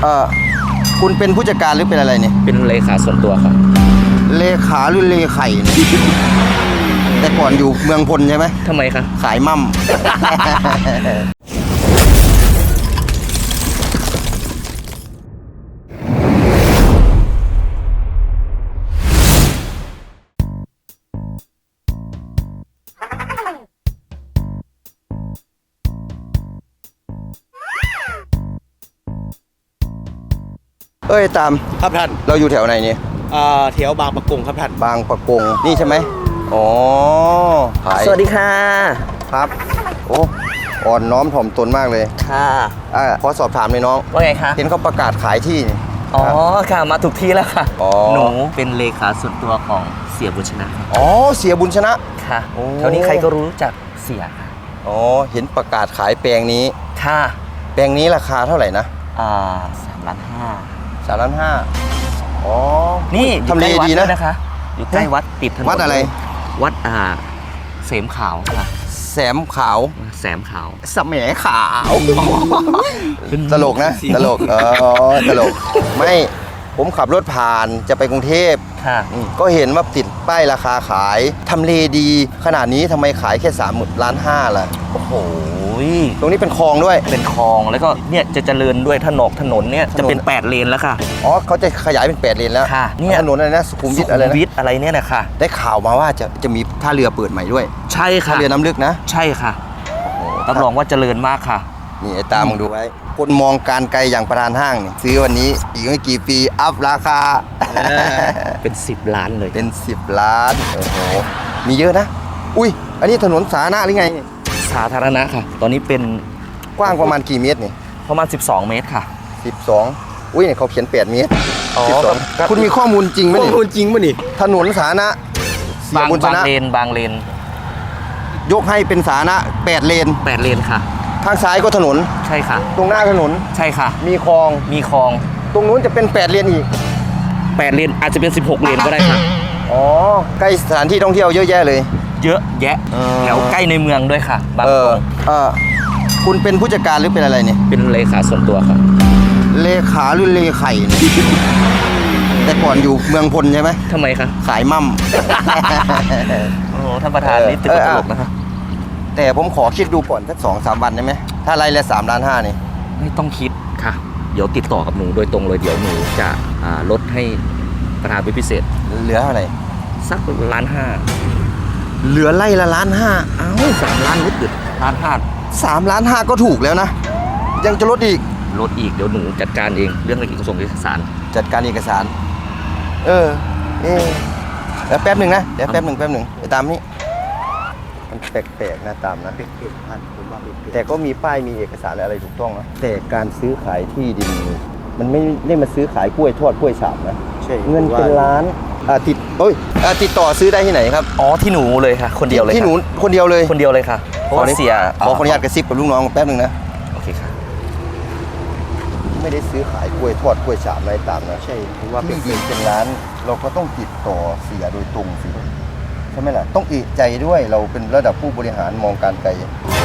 คุณเป็นผู้จัดการหรือเป็นอะไรเนี่ยเป็นเลขาส่วนตัวครับเลขาหรือเลไข่เนี่ยแต่ก่อนอยู่เมืองพลใช่ไหมทำไมคะขายมั่มเอ้ยตามครับท่านเราอยู่แถวไหนเนี่ยแถวบางปะกงครับท่านบางปะกงนี่ใช่ไหมอ๋อขายสวัสดีค่ะครับโอ้อ่อนน้อมถ่อมตนมากเลยค่ะขอสอบถามเลยน้องว่าไงคะเห็นเขาประกาศขายที่อ๋อค่ะมาถูกที่แล้วค่ะอ๋อหนูเป็นเลขาส่วนตัวของเสียบุญชนะอ๋อเสียบุญชนะค่ะแถวนี้ใครก็รู้จักเสียค่ะอ๋อเห็นประกาศขายแปลงนี้ค่ะแปลงนี้ราคาเท่าไหร่นะ 3.5 ล้าน 3.5 ล้านอ๋อนี่ทำเลดีนะคะอยู่ใกล้วัดติดถนนวัดอะไรวัดเสมขาวค่ะแสมขาวแสมขาวสมขาวตลกนะตลกตลกไม่ผมขับรถผ่านจะไปกรุงเทพก็เห็นว่าติดป้ายราคาขายทำเลดีขนาดนี้ทำไมขายแค่3.5 ล้านล่ะโอ้โหตรงนี้เป็นคลองด้วยเป็นคลองแล้วก็เนี่ยจะเจริญด้วยถนนเนี่ยจะเป็น8 เลนแล้วค่ะอ๋อเขาจะขยายเป็น8 เลนแล้วค่ะเนี่ยถนนอะไรนะสุขุมวิทอะไรนะอะไรเนี่ยนะคะได้ข่าวมาว่าจะมีท่าเรือเปิดใหม่ด้วยใช่ค่ะท่าเรือน้ำลึกนะใช่ค่ะรับรองว่าเจริญมากค่ะนี่ไอ้ตามึงดูไว้คนมองการไกลอย่างประธานห้างนี่ซื้อวันนี้อีกไม่กี่ปีอัพราคาเป็น10 ล้านเลยเป็น10 ล้านโอ้โหมีเยอะนะอุ้ยอันนี้ถนนสาธารณะหรือไงสาธารณะค่ะตอนนี้เป็นกว้างประมาณกี่เมตรนี่ประมาณ12 เมตรค่ะ 12อุ้ยเนี่ยเขาเขียน8 เมตร12คุณมีข้อมูลจริงไหมนี่ข้อมูลจริงป่ะนี่ถนนสาธารณะบางเลนยกให้เป็นสาธารณะ8 เลนค่ะทางซ้ายก็ถนนใช่ค่ะตรงหน้าถนนใช่ค่ะมีคลองตรงนู้นจะเป็น8 เลนอีก 8 เลนอาจจะเป็น16 เลนก็ได้ค่ะอ๋อใกล้สถานที่ท่องเที่ยวเยอะแยะเลยเยอะแยะแถวใกล้ในเมืองด้วยค่ะบางคุณเป็นผู้จัดการหรือเป็นอะไรเนี่ยเป็นเลขาส่วนตัวครับเลขาหรือเลไข่เนี่ยแต่ก่อนอยู่เมืองพลใช่ไหมทำไมคะขายมั่มโอ้ท่านประธานนี่ตึกตลกนะครับแต่ผมขอคิดดูก่อนสัก2-3 วันได้ไหมถ้าไล่ละ3.5 ล้านนี่ไม่ต้องคิดค่ะเดี๋ยวติดต่อกับหนูโดยตรงเลยเดี๋ยวหนูจะลดให้ประธานเป็นพิเศษเหลือเท่าไหร่สัก1.5 ล้านเหลือไล่ละ1.5 ล้าน 3 ล้านลดเดือด 3.5 ล้านก็ถูกแล้วนะยังจะลดอีกเดี๋ยวหนูจัดการเองเรื่องเอกสารจัดการเอกสารแล้วแป๊บหนึ่งนะเดี๋ยวแป๊บหนึ่งไปตามนี้มันแปลกๆนะตามนะแต่ก็มีป้ายมีเอกสารอะไรถูกต้องนะแต่การซื้อขายที่ดินมันไม่ได้มาซื้อขายกล้วยทอดกล้วยฉาบนะเงินเป็นล้านติดต่อซื้อได้ที่ไหนครับอ๋อที่หนูเลยค่ะคนเดียวเลยที่หนูคนเดียวเลยค่ะเพราะเสียขออนุญาตกระซิบกับลูกน้องแป๊บนึงนะโอเคค่ะไม่ได้ซื้อขายกล้วยทอดกล้วยฉาบอะไรตามนะใช่เพราะว่าเป็นร้านเราก็ต้องติดต่อเสียโดยตรงสิใช่ไหมล่ะต้องเอะใจด้วยเราเป็นระดับผู้บริหารมองการไกล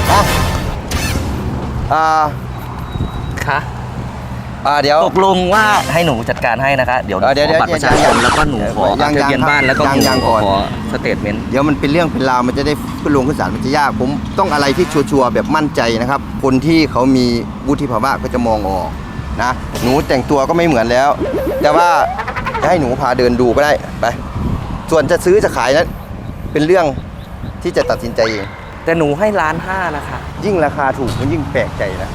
ค่ะเดี๋ยวตกลงว่าให้หนูจัดการให้นะคะเดี๋ยวขอบัตรประชาชนแล้วก็หนูขอทะเบียนบ้านแล้วก็หนูขอสเตทเมนต์เดี๋ยวมันเป็นเรื่องเป็นราวมันจะได้ขึ้นลงขึ้นศาลมันจะยากผมต้องอะไรที่ชัวร์แบบมั่นใจนะครับคนที่เขามีวุฒิภาวะก็จะมองออกนะหนูแต่งตัวก็ไม่เหมือนแล้วแต่ว่าจะให้หนูพาเดินดูก็ได้ไปส่วนจะซื้อจะขายนั้นเป็นเรื่องที่จะตัดสินใจเองแต่หนูให้1.5 ล้านนะคะยิ่งราคาถูกมันยิ่งแปลกใจนะ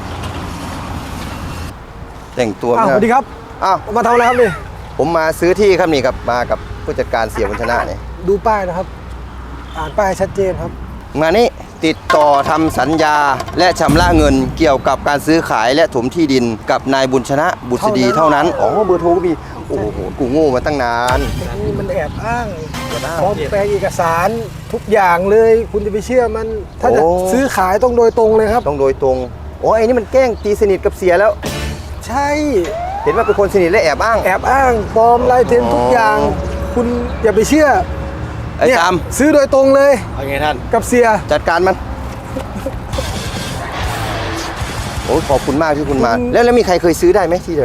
แต่งตัวสวัสดีครับมาทำอะไรครับนี่ผมมาซื้อที่ครับนี่ครับมากับผู้จัดการเสียบุญชนะเนี่ยดูป้ายนะครับอ่านป้ายชัดเจนครับมานี่ติดต่อทำสัญญาและชำระเงินเกี่ยวกับการซื้อขายและถมที่ดินกับนายบุญชนะบุษดีเท่านั้นอ๋อเบอร์โทรก็มีโอ้โหกูโง่มาตั้งนานนี่มันแอบอ้างพร้อมแปลงเอกสารทุกอย่างเลยคุณจะไปเชื่อมันถ้าจะซื้อขายต้องโดยตรงเลยครับต้องโดยตรงโอ้ไอ้นี่มันแกล้งตีสนิทกับเสียแล้วใช่เห็นว่าเป็นคนสนิทและแอบอ้างปลอมลายเซ็นทุกอย่างคุณอย่าไปเชื่อไอ้ตามซื้อโดยตรงเลยเอาไงท่านกับเสียจัดการมันโอ้ขอบคุณมากที่คุณมาแล้วมีใครเคยซื้อได้ไหมที่แถวนี้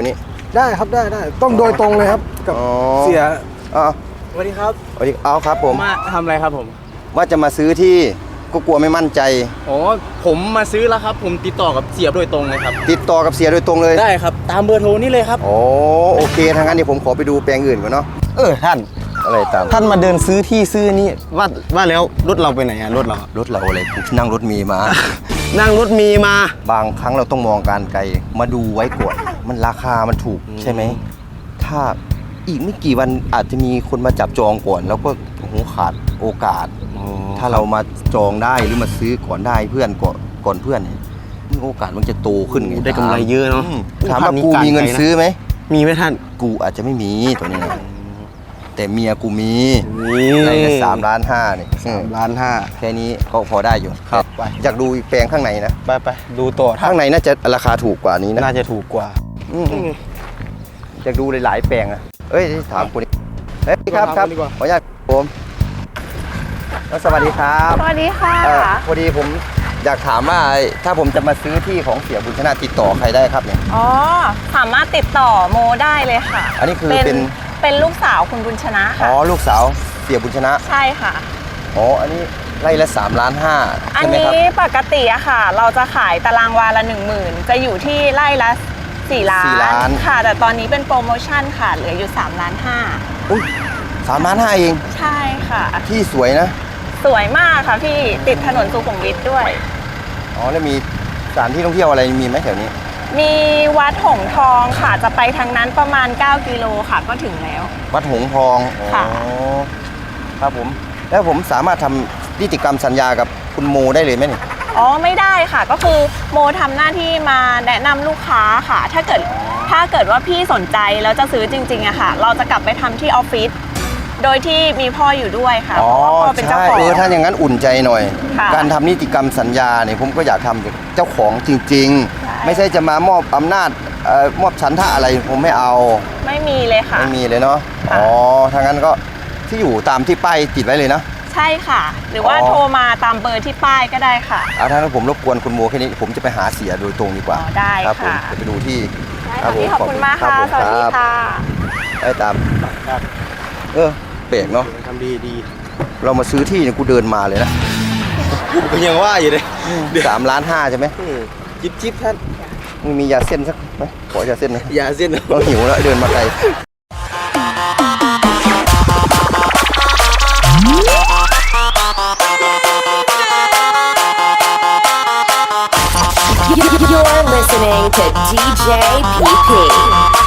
ได้ครับได้ต้องโดยตรงเลยครับกับอ๋อเสียอ๋อสวัสดีครับสวัสดีเอาครับผมมาทำอะไรครับผมว่าจะมาซื้อที่ก็กลัวไม่มั่นใจอ๋อผมมาซื้อแล้วครับ ผมติดต่อกับเสียโดยตรงเลยครับติดต่อกับเสียโดยตรงเลยได้ครับตามเบอร์โทรนี่เลยครับโอ้โอเคทางนั้นเดี๋ยวผมขอไปดูแปลงอื่นก่อนเนาะท่านอะไรตามท่านมาเดินซื้อที่ซื้อนี่ว่าแล้วรถเราไปไหนอะรถเราอะรถเราอะไรกูนั่งรถมีมานั่งรถมีมาบางครั้งเราต้องมองการไกลมาดูไว้ก่อนมันราคามันถูกใช่ไหมถ้าอีกไม่กี่วันอาจจะมีคนมาจับจองก่อน แล้วก็โอ้โหขาดโอกาส ถ้าเรามาจองได้หรือมาซื้อก่อนได้เพื่อนก่อนเพื่อนเนี่ยโอกาสมันจะโตขึ้นไงได้กำไรเยอะเนาะถามว่ากูมีเงินซื้อไหมมีไหมท่านกูอาจจะไม่มีตัวนี้นะแต่เมียกูมีนี่ใน3.5 ล้านนี่ 3,500,000 แค่นี้ก็พอได้อยู่ครับไปอยากดูอีกแปลงข้างในนะไปดูต่อท่าข้าน งในน่าจะราคาถูกกว่านี้นะน่าจะถูกกว่าอยากดูหลายๆแปลงอะเอ้ยถามคุณเฮ้ยครับถามคุณดีกว่าขออนุญาตผมสวัสดีครับสวัสดีค่ะพอดีผมอยากถามว่าถ้าผมจะมาซื้อที่ของเสียบุญชนะติดต่อใครได้ครับเนี่ยอ๋อ สามารถติดต่อโมได้เลยค่ะอันนี้คือเป็นลูกสาวคุณบุญชนะอ๋ค่ะอลูกสาวเสียบุญชนะใช่ค่ะอ๋ออันนี้ไร่ละ3.5 ล้านอันใช่ไหมนี้ครับปกติอะค่ะ เราจะขายตารางวาละ 10,000 จะอยู่ที่ไร่ละ4 ล้า 4 ล้านค่ะ แต่ตอนนี้เป็นโปรโมชั่นค่ะ เหลืออยู่3.5 ล้านอุ้ย3.5 ล้านเองใช่ค่ะที่สวยนะสวยมากค่ะพี่ติดถนนสุขุมวิทด้วยอ๋อแล้วมีสถานที่ท่องเที่ยวอะไรมีไหมแถวนี้มีวัดหงส์ทองค่ะ จะไปทางนั้นประมาณ 9 กิโลค่ะ ก็ถึงแล้ววัดหงส์ทองค่ะอ๋อครับผมแล้วผมสามารถทำนิติกรรมสัญญากับคุณโมได้เลยไหมเนี่ยอ๋อไม่ได้ค่ะก็คือโมทำหน้าที่มาแนะนำลูกค้าค่ะ ถ้าเกิดว่าพี่สนใจแล้วจะซื้อจริงๆอะค่ะ เราจะกลับไปทำที่ออฟฟิศโดยที่มีพ่ออยู่ด้วยค่ะเพราะว่าพ่อเป็นเจ้าใช่ของถ้าอย่างนั้นอุ่นใจหน่อยค่ะการทำนิติกรรมสัญญาเนี่ยผมก็อยากทำจากเจ้าของจริงใช่ๆ ไม่ใช่จะมามอบอำนาจมอบฉันท่าอะไรผมไม่เอาไม่มีเลยค่ะไม่มีเลยเนาะค่ะอ๋อถ้างั้นก็ที่อยู่ตามที่ป้ายติดไว้เลยนะใช่ค่ะ หรือว่าอ๋อโทรมาตามเบอร์ที่ป้ายก็ได้ค่ะเอาถ้างั้นผมรบกวนคุณโมแค่นี้ผมจะไปหาเสียโดยตรงดีกว่าอ๋อได้ครับผมค่ะจะไปดูที่ได้ค่ะพี่ขอบคุณมากรัค่ะผมสวัสดีรับค่ะได้ตามครับเบรกเนาะทำดีเรามาซื้อที่เนี่ยกูเดินมาเลยนะก็ยังว่าอยู่เลย 3.5 ล้านใช่ไหมจิ๊บท่านมึงมียาเส้นสักไหมขอยาเส้นหนะอย่าเส้นนะเราหิวแล้วเดินมาไกล You're listening to DJ PP.